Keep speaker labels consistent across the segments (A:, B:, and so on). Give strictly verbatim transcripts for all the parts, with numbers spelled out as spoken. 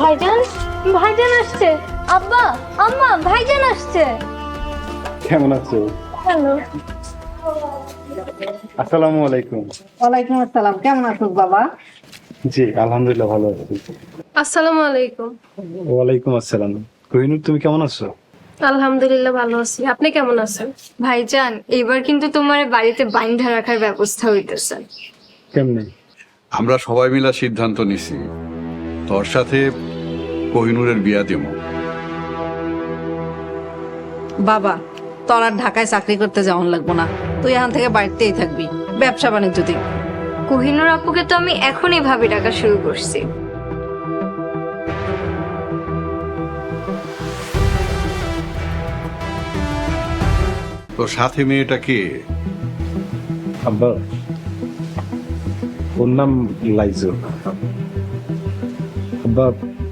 A: ভাইজান ভাইজান আসছে। আব্বা আম্মা ভাইজান আসছে।
B: কেমন আছো?
A: হ্যালো।
B: আসসালামু আলাইকুম।
C: ওয়ালাইকুম আসসালাম। কেমন আছো বাবা?
B: জি আলহামদুলিল্লাহ ভালো আছি।
D: আসসালামু আলাইকুম।
B: ওয়ালাইকুম আসসালাম। কোহিনুর তুমি কেমন আছো?
D: আলহামদুলিল্লাহ ভালো আছি। আপনি কেমন আছেন?
A: ভাইজান এবার কিন্তু তোমার বাড়িতে বাইন্ধা রাখার ব্যবস্থা হইতেছে।
B: কেমনে?
E: আমরা সবাই মিলা সিদ্ধান্ত নিছি তোর সাথে কোহিনুরের বিয়া দেব।
C: বাবা, তোর আর ঢাকায় চাকরি করতে যাওয়ান লাগবো না, তুই এখান থেকে বাড়িতেই থাকবি, ব্যবসা বাণিজ্য দিক।
A: কোহিনুর আপুকে তো আমি এখনই ভাবি ডাকা শুরু করছি।
E: তোর সাথে মেয়েটা কে?
B: আব্বা ওর নাম লাইজু। আব্বা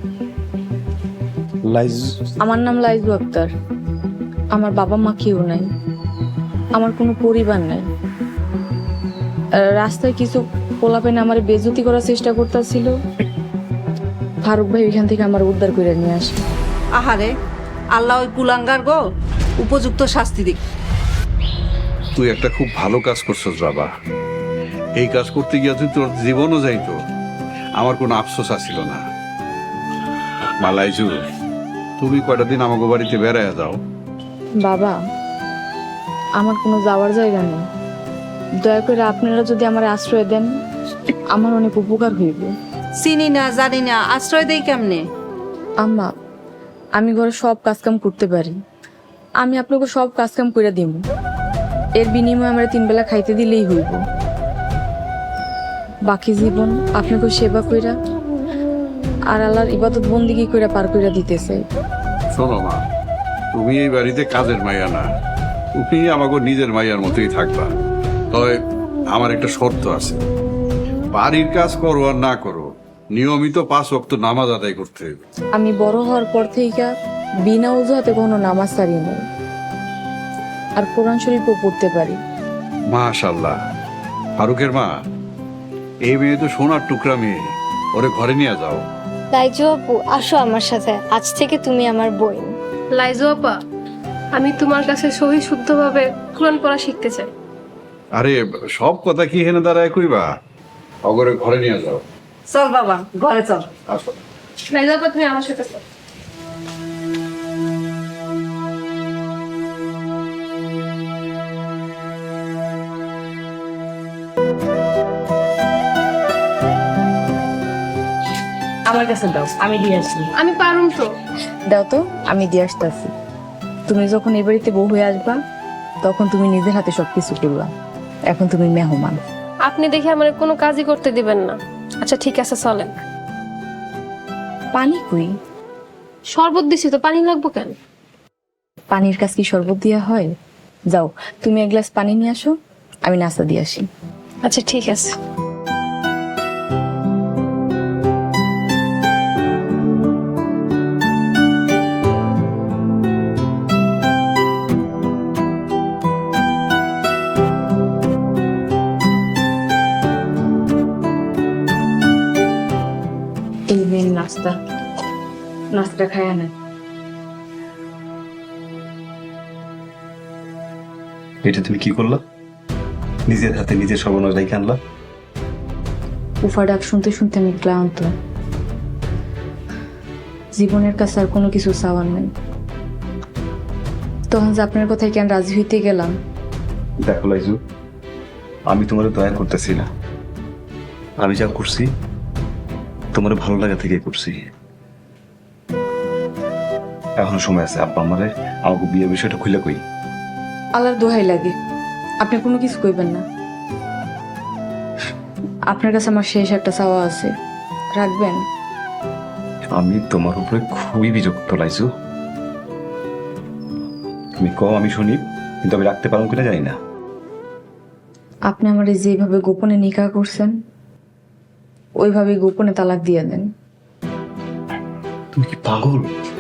B: লাইজু।
F: আমার নাম লাইজু আক্তার। আমার বাবা মা কেউ নাই, আমার কোনো পরিবার নাই। আহ, রাস্তায় কিছু পোলাপেনে আমার বেজতি করার চেষ্টা করতেছিল। ফারুক ভাই ওইখান থেকে আমার উদ্ধার করে নিয়ে আসে।
C: আহারে, আল্লাহ ওই কুলাঙ্গার গো উপযুক্ত শাস্তি দিক।
E: তুই একটা খুব ভালো কাজ করছস বাবা। এই কাজ করতে গিয়ে তুই তোর জীবনও যাইতো, আমার কোনো আফসোস আসছিল না। মালাইজু, তুমি কয়টা দিন আমাকে বাড়িতে বেড়ায় যাও।
F: বাবা, আমার কোনো যাওয়ার জায়গা নেই। দয়া করে আপনারা যদি আমার আশ্রয় দেন, আমার অনেক উপকার হইব।
C: চিনি না জানি না, আশ্রয় দেই কেমনে?
F: আম্মা, আমি ঘরে সব কাজকাম করতে পারি। আমি আপনাকে সব কাজকাম করে দিব। এর বিনিময়ে আমরা তিন বেলা খাইতে দিলেই হইব। বাকি জীবন আপনাকে সেবা কইরা আর আল্লাহর ইবাদত বন্দিগি কইরা পার কইরা দিতেছে।
E: শোনো মা, তুমি এই বাড়িতে কাজের মাইয়া না, তুমি আমাকে নিজের মাইয়ার মতোই থাকবা। তবে আমার একটা শর্ত আছে, বাড়ির কাজ করো আর না করো, নিয়মিত পাঁচ ওয়াক্ত নামাজ আদায় করতে হবে।
F: আমি বড় হওয়ার পর থেকে বিনা অজুহাতে কোনো নামাজ ছাড়ি নাই, আর কোরআন শরীফও পড়তে পারি।
E: মাশাআল্লাহ। ফারুকের মা, এই মেয়ে তো সোনার টুকরা মেয়ে, ওরে ঘরে নিয়ে যাও।
A: লাইজু আপু আসো আমার সাথে, আজ থেকে তুমি আমার বোন।
D: লাইজু আপা, আমি তোমার কাছে সহি শুদ্ধভাবে কোরআন পড়া শিখতে চাই।
E: আরে সব কথা কি হেনে দাঁড়ায় কইবা, অগরে ঘরে নিয়ে যাও।
C: চল বাবা, ঘরে চল।
E: আসো।
D: লাইজু আপা, তুমি আমার সাথে চলো।
F: আমার কাছে দাও, আমি দিয়ে আসি।
D: আমি পারুম তো।
F: দাও তো, আমি দিয়ে আসতেছি। তুমি যখন এই বাড়িতে বউ হয়ে আসবা, তখন তুমি নিজের হাতে সবকিছু করবা। এখন তুমি মেহমান।
D: আপনি দেখে আমার কোনো কাজই করতে দিবেন না। আচ্ছা ঠিক আছে, চলেন।
F: পানি কই?
D: শরবত দিছি তো, পানি লাগবো কেন?
F: পানির কাজ কি শরবত দেওয়া হয়? যাও, তুমি এক গ্লাস পানি নিয়ে আসো, আমি নাস্তা দিয়ে আসি।
D: আচ্ছা ঠিক আছে।
F: এই মেন নাস্তা, নাস্তা খায় না।
G: এটা তুমি কি করলা? নিজের হাতে নিজের সর্বনাশ রেখে আনলা।
F: উফা ডাক শুনতে শুনতে আমি ক্লান্ত। জীবনের কাছে আর কোনো কিছু চাওয়ার নেই। তখন যে আপনার কথায় কেন রাজি হইতে গেলাম।
G: দেখো লাইজু, আমি তোমার দয়া করতেছি না। আমি যা করছি তোমার ভালো লাগা থেকে করছি। এখনো সময় আছে, আব্বা আমারে আমাকে বিয়ের বিষয়টা খুলে কই।
F: আল্লাহর দোহাই লাগে, আপনি কোনো কিছু কইবেন না। আপনার কাছে আমার শেষ একটা চাওয়া আছে, রাখবেন?
G: আমি তোমার উপরে খুবই বিরক্ত লাইজু। তুমি কও আমি শুনি, কিন্তু আমি রাখতে পারবো কিনা জানি না।
F: আপনি আমার যেভাবে গোপনে নিকাহ করছেন, ওইভাবে গোপনে তালাক দিয়ে দেন।
G: তুমি কি পাগল?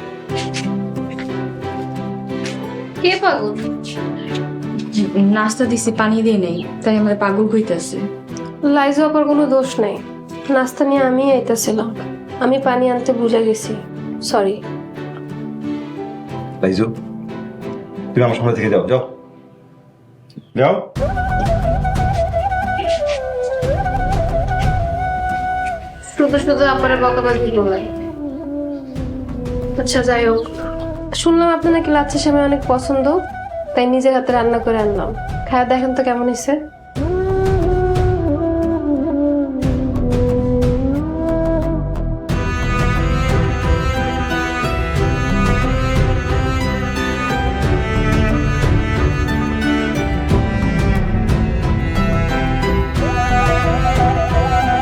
D: কে পাগল?
F: নাস্তা দিছি, পানি দিয়ে নেই, তাই আমার পাগল কইতাছে।
D: লাইজু আপার কোনো দোষ নেই, নাস্তা নিয়ে আমি আইতাছিলাম। আমি পানি আনতে ভুলে গেছি, সরি।
G: লাইজু, তুমি আমার সামনে থেকে যাও, যাও যাও।
D: শুধু শুধু আপনারা বকাবাজি করলেন। আচ্ছা যাই হোক, শুনলাম আপনার নাকি লাচ্ছা সেমাই অনেক পছন্দ, তাই নিজের হাতে রান্না করে আনলাম। খায়া দেখেন তো কেমন হয়েছে।